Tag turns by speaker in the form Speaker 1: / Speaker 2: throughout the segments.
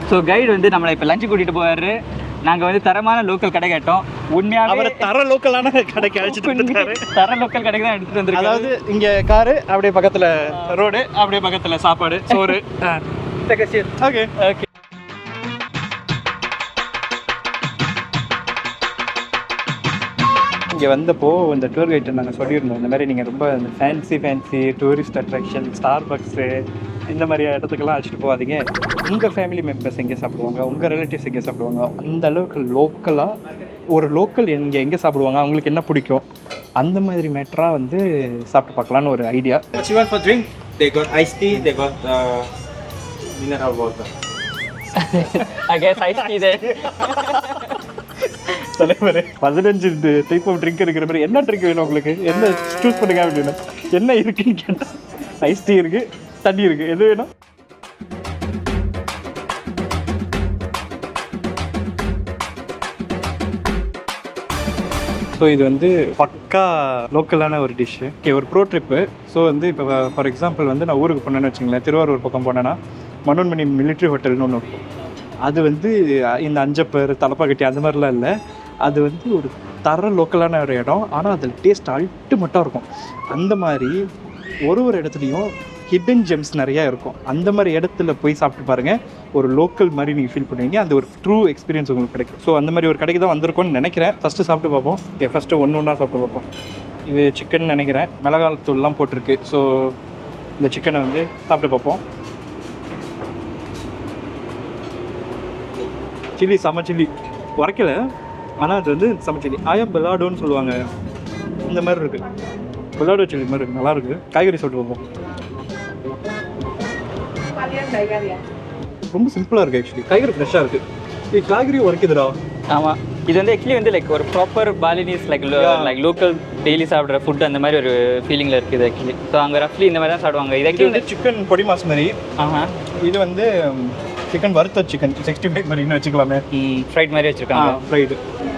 Speaker 1: So guide வந்து நம்மளை இப்போ லஞ்சு கூட்டிகிட்டு போவார். நாங்கள் வந்து தரமான லோக்கல் கடை கேட்டோம். உண்மையாகவே
Speaker 2: தர லோக்கலான கடைக்கு அழைச்சிட்டு வந்துருக்காரு.
Speaker 1: தர லோக்கல் கடைக்கு தான் எடுத்துகிட்டு வந்துருக்காரு.
Speaker 2: அதாவது இங்கே காரு, அப்படியே பக்கத்தில் ரோடு, அப்படியே பக்கத்தில் சாப்பாடு, சோறு. Okay
Speaker 1: okay.
Speaker 2: இங்கே வந்தப்போ இந்த டூர் கைட்டை நாங்கள் சொல்லியிருந்தோம், இந்த மாதிரி நீங்கள் ரொம்ப இந்த fancy tourist attraction, Starbucks இந்த மாதிரி இடத்துக்கெல்லாம் அழைச்சிட்டு போகாதீங்க. உங்கள் ஃபேமிலி மெம்பர்ஸ் எங்கே சாப்பிடுவாங்க, உங்கள் ரிலேட்டிவ்ஸ் எங்கே சாப்பிடுவாங்க, அந்த அளவுக்கு லோக்கலாக ஒரு லோக்கல் எங்கே சாப்பிடுவாங்க, அவங்களுக்கு என்ன பிடிக்கும், அந்த மாதிரி மேட்டராக வந்து சாப்பிட்டு பார்க்கலான்னு ஒரு idea.
Speaker 3: What you want for drink? They got iced tea, they got mineral water.
Speaker 1: I guess ice tea there.
Speaker 2: தலைவர் 15 டைப் ஆஃப் ட்ரிங்க் இருக்கிற மாதிரி என்ன ட்ரிங்க் வேணும் உங்களுக்கு, என்ன சூஸ் பண்ணுங்க அப்படின்னா என்ன இருக்குன்னு கேட்டால் ஐஸ் டீ இருக்குது, தண்ணி இருக்குது, எது வேணும்? ஸோ இது வந்து பக்கா லோக்கலான ஒரு டிஷ்ஷு. ஒரு ப்ரோ ட்ரிப்பு. ஸோ வந்து இப்போ ஃபார் எக்ஸாம்பிள் வந்து நான் ஊருக்கு போனேன்னு வச்சுங்களேன், திருவாரூர் பக்கம் போனேன்னா மனோன்மணி மிலிட்ரி ஹோட்டல்னு ஒன்று இருக்கும். அது வந்து இந்த அஞ்சப்பர் தலப்பாக்கட்டி அந்த மாதிரிலாம் இல்லை, அது வந்து ஒரு தர லோக்கலான ஒரு இடம். ஆனால் அதில் டேஸ்ட் அல்டிமேட்டாக இருக்கும். அந்த மாதிரி ஒரு இடத்துலையும் ஹிடன் ஜெம்ஸ் நிறையா இருக்கும். அந்த மாதிரி இடத்துல போய் சாப்பிட்டு பாருங்கள், ஒரு லோக்கல் மாதிரி நீங்கள் ஃபீல் பண்ணுவீங்க. அந்த ஒரு ட்ரூ எக்ஸ்பீரியன்ஸ் உங்களுக்கு கிடைக்கும். ஸோ அந்த மாதிரி ஒரு கடைக்கு தான் வந்திருக்கோன்னு நினைக்கிறேன். ஃபஸ்ட்டு சாப்பிட்டு பார்ப்போம். ஃபஸ்ட்டு ஒன்றா சாப்பிட்டு பார்ப்போம். இது சிக்கன் நினைக்கிறேன், மிளகாய் தூள்லாம் போட்டிருக்கு. ஸோ இந்த சிக்கனை வந்து சாப்பிட்டு பார்ப்போம். சில்லி செம்ம சில்லி உரைக்கல, ஆனால் அது வந்து செம்ம சில்லி. பெலாடோன்னு சொல்லுவாங்க, இந்த மாதிரி இருக்குது. பெலாடோ சில்லி மாதிரி இருக்குது, நல்லாயிருக்கு. காய்கறி சாப்பிட்டு பார்ப்போம். ரொம்ப சிம்பிளாக இருக்குது ஆக்சுவலி. காய்கறி ஃப்ரெஷ்ஷாக இருக்குது. இது காய்கறி உரைக்குதுடா.
Speaker 1: ஆமாம், இது வந்து ஆக்சுவலி வந்து லைக் ஒரு proper Balinese like local daily சாப்பிட்ற ஃபுட் அந்த மாதிரி ஒரு ஃபீலிங்கில் இருக்குது ஆக்சுவலி. ஸோ அங்கே ரஃப்லி இந்த மாதிரி தான் சாப்பிடுவாங்க. இது ஆக்சுவலி
Speaker 2: வந்து சிக்கன் பொடி மாஸ் மாதிரி. இது வந்து சிக்கன் வறுத்த சிக்கன் 65 மாதிரின்னு வச்சுக்கலாமே.
Speaker 1: ஃப்ரைட் மாதிரி வச்சுருக்காங்க.
Speaker 2: ஃப்ரைடு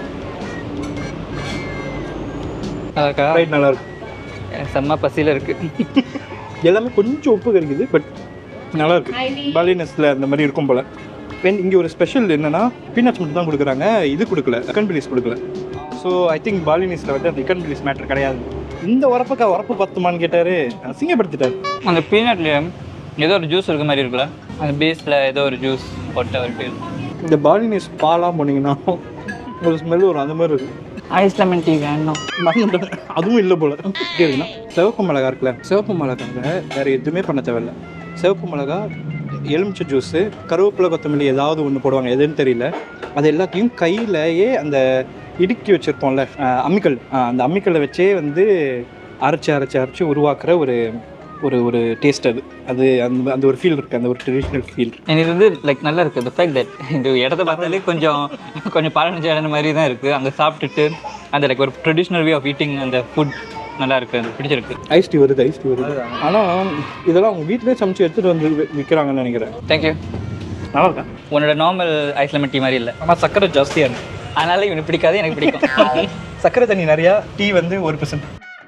Speaker 2: ஃப்ரைட் நல்லா இருக்கு.
Speaker 1: செம்ம பசியில் இருக்குது.
Speaker 2: எல்லாமே கொஞ்சம் உப்பு கறிக்குது, பட் நல்லா இருக்கு. பாலினஸில் அந்த மாதிரி இருக்கும் போல். இங்கே ஒரு ஸ்பெஷல் என்னென்னா பீனட்ஸ் மட்டும் தான் கொடுக்குறாங்க, இது கொடுக்கல, சிக்கன் பிலிஸ் கொடுக்கல. ஸோ ஐ திங்க் பாலினஸில் வந்து அந்த சிக்கன் பிலிஸ் மேட்டர் கிடையாது. இந்த உரப்பு பத்துமான்னு கேட்டார், அசிங்கப்படுத்திட்டார்.
Speaker 1: அந்த பீனட்லேயே ஏதோ ஒரு ஜூஸ் இருக்க மாதிரி இருக்குல்ல, அந்த பேஸில் ஏதோ ஒரு ஜூஸ் போட்ட ஒரு ஃபீல்.
Speaker 2: இந்த பாலினஸ் பாலாக போனீங்கன்னா ஒரு ஸ்மெல் வரும், அந்த மாதிரி இருக்குது.
Speaker 1: ஐஸ் லெமன் டீ வேணும்,
Speaker 2: அதுவும் இல்லை போல். எப்படி இருக்குன்னா சிவப்பு மிளகா இருக்குல்ல, சிவப்பு மிளகாங்க வேறு எதுவுமே பண்ண தேவையில்லை. சிவப்பு மிளகா, எலுமிச்சை ஜூஸு, கருவேப்பிலை, கொத்தமல்லி ஏதாவது ஒன்று போடுவாங்க, எதுன்னு தெரியல. அது எல்லாத்தையும் கையிலேயே அந்த இடுக்கி வச்சுருப்போம்ல அம்மிக்கல், அந்த அம்மிக்கல்லை வச்சே வந்து அரைச்சி உருவாக்குற ஒரு ஒரு ஒரு டேஸ்ட். அது அந்த அந்த ஒரு ஃபீல் இருக்குது, அந்த ஒரு ட்ரெடிஷ்னல் ஃபீல்.
Speaker 1: இது வந்து லைக் நல்லா இருக்குது. இந்த ஃபேக்ட் தட் இந்த இடத்த பார்த்தாலே கொஞ்சம் பழனிச்ச இடம் மாதிரி தான் இருக்குது. அங்கே சாப்பிட்டுட்டு அந்த லைக் ஒரு ட்ரெடிஷ்னல் வே ஆஃப் ஈட்டிங் அந்த ஃபுட் நல்லா இருக்குது, அது பிடிச்சிருக்கு.
Speaker 2: ஐஸ் டீ வருது. ஆனால் இதெல்லாம் அவங்க வீட்டிலே சமைச்சு எடுத்துகிட்டு வந்து விற்கிறாங்கன்னு நினைக்கிறேன்.
Speaker 1: தேங்க்யூ.
Speaker 2: நல்லா இருக்கா?
Speaker 1: உன்னோட நார்மல் ஐஸ் லெமன் டீ மாதிரி இல்லை,
Speaker 2: ஆனால் சர்க்கரை ஜாஸ்தியாக இருக்குது.
Speaker 1: அதனால இவனுக்கு பிடிக்காது, எனக்கு பிடிக்கும்.
Speaker 2: சர்க்கரை தண்ணி நிறையா, டீ வந்து 1%.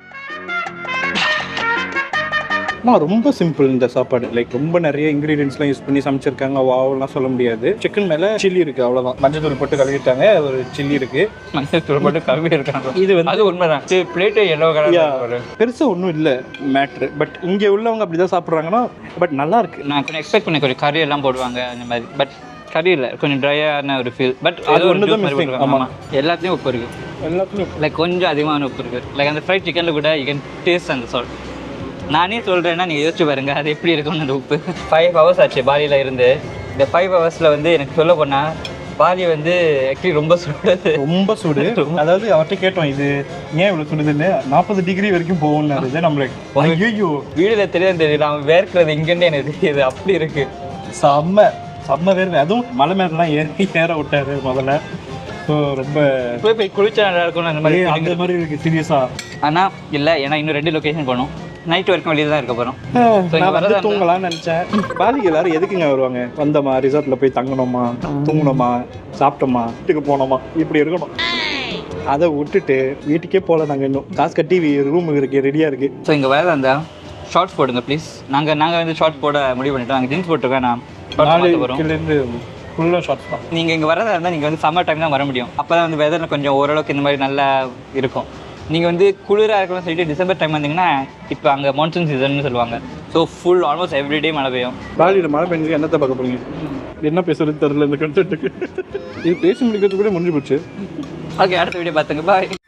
Speaker 2: ரொம்ப சிம்பிள் இந்த சாப்பாடு. லைக் ரொம்ப நிறைய இன்க்ரீடியன்ஸ்லாம் யூஸ் பண்ணி சமைச்சிருக்காங்க, வாவெல்லாம் சொல்ல முடியாது. சிக்கன் மேலே சில்லி இருக்குது, அவ்வளோதான். மஞ்சள் தூள் போட்டு கழுவிட்டாங்க, ஒரு சில்லி இருக்குது.
Speaker 1: மஞ்சள் தூள் போட்டு கழுவி இருக்காங்க.
Speaker 2: இது வந்து
Speaker 1: அது உண்மைதான். பிளேட்டு எல்லோ கலர்,
Speaker 2: பெருசாக ஒன்றும் இல்லை மேட்ரு. பட் இங்கே உள்ளவங்க அப்படி தான் சாப்பிட்றாங்கன்னா, பட் நல்லா இருக்குது.
Speaker 1: நான் கொஞ்சம் எக்ஸ்பெக்ட் பண்ணி கொஞ்சம் கறி எல்லாம் போடுவாங்க அந்த மாதிரி, பட் கறி இல்லை, கொஞ்சம் ட்ரையான ஒரு ஃபீல். பட் அது ஒன்று தான் மிஸ்ஸிங். ஆமாம், எல்லாத்துலேயும் உப்பு இருக்குது,
Speaker 2: எல்லாத்துலேயும்
Speaker 1: லைக் கொஞ்சம் அதிகமான உப்பு இருக்குது. லைக் அந்த ஃப்ரைட் சிக்கனில் கூட யூ கேன் டேஸ்ட் அந்த சால்ட். நானே சொல்கிறேன்னா நீங்கள் யோசிச்சு பாருங்கள் அது எப்படி இருக்கும்னு. அந்த உப்பு 5 hours ஆச்சு பாலியில் இருந்து. இந்த 5 hours வந்து எனக்கு சொல்ல போனால் பாலி வந்து ஆக்சுவலி ரொம்ப சூடு.
Speaker 2: அதாவது அவர்கிட்ட கேட்டோம், இது ஏன் இவ்வளோ சுடுதுன்னு. 40 டிகிரி வரைக்கும் போகணுன்னு நம்மளுக்கு. ஐயோ,
Speaker 1: வீடியோவில் தெரியல, அவன் வேர்க்கிறது இங்கேருந்து எனக்கு தெரியுது, அப்படி இருக்குது.
Speaker 2: செம்ம வேர்வை. அதுவும் மலை மேலாம் ஏற விட்டாரு முதல்ல. ஸோ ரொம்ப
Speaker 1: போய் குளிச்சா நல்லா இருக்கும்னு அந்த
Speaker 2: மாதிரி இருக்குது சீரியஸாக.
Speaker 1: ஆனால் இல்லை, ஏன்னா இன்னும் 2 லொக்கேஷன் போகணும். நைட் வரைக்கும் வெளியே தான் இருக்க போகிறோம்.
Speaker 2: நான் வந்து தூங்கலாம்னு நினச்சேன். பாதிக்கு எல்லாரும் எதுக்குங்க வருவாங்க? வந்தோமா, ரிசார்ட்டில் போய் தங்கணுமா, தூங்கணுமா, சாப்பிட்டோமா, வீட்டுக்கு போனோமா, இப்படி இருக்கணும். அதை விட்டுட்டு வீட்டுக்கே போகல. நாங்கள் இன்னும் காசு கட்டி ரூம் இருக்குது, ரெடியாக இருக்குது.
Speaker 1: ஸோ இங்கே வேறு அந்த ஷார்ட்ஸ் போடுங்க ப்ளீஸ். நாங்கள் வந்து ஷார்ட்ஸ் போட முடிவு பண்ணிட்டோம். நாங்கள் ஜீன்ஸ் போட்டுருக்கேன். நான்
Speaker 2: 4 கிலோலேருந்து ஃபுல்லாக ஷார்ட்ஸ் தான்.
Speaker 1: நீங்கள் இங்கே வரதா இருந்தால் நீங்கள் வந்து சம்மர் டைம் தான் வர முடியும். அப்போ தான் வந்து வெதர் கொஞ்சம் ஓரளவுக்கு இந்த மாதிரி நல்லா இருக்கும். நீங்கள் வந்து குளிராக இருக்கணும்னு சொல்லிட்டு டிசம்பர் டைம் வந்தீங்கன்னா இப்போ அங்கே மான்சூன் சீசன்னு சொல்லுவாங்க. ஸோ ஃபுல் ஆல்மோஸ்ட் எவ்ரிடே மழை பெய்யும்.
Speaker 2: பாலியில் மழை பெஞ்சு என்னத்தை பார்க்க போறீங்க? என்ன பேசுறது தெரியல இந்த கண்டென்ட்டுக்கு. இது பேசி முடிக்கிறதுக்கு கூட முடிஞ்சு போச்சு.
Speaker 1: ஓகே, அடுத்த வீடியோ பார்த்துங்க. பாய்.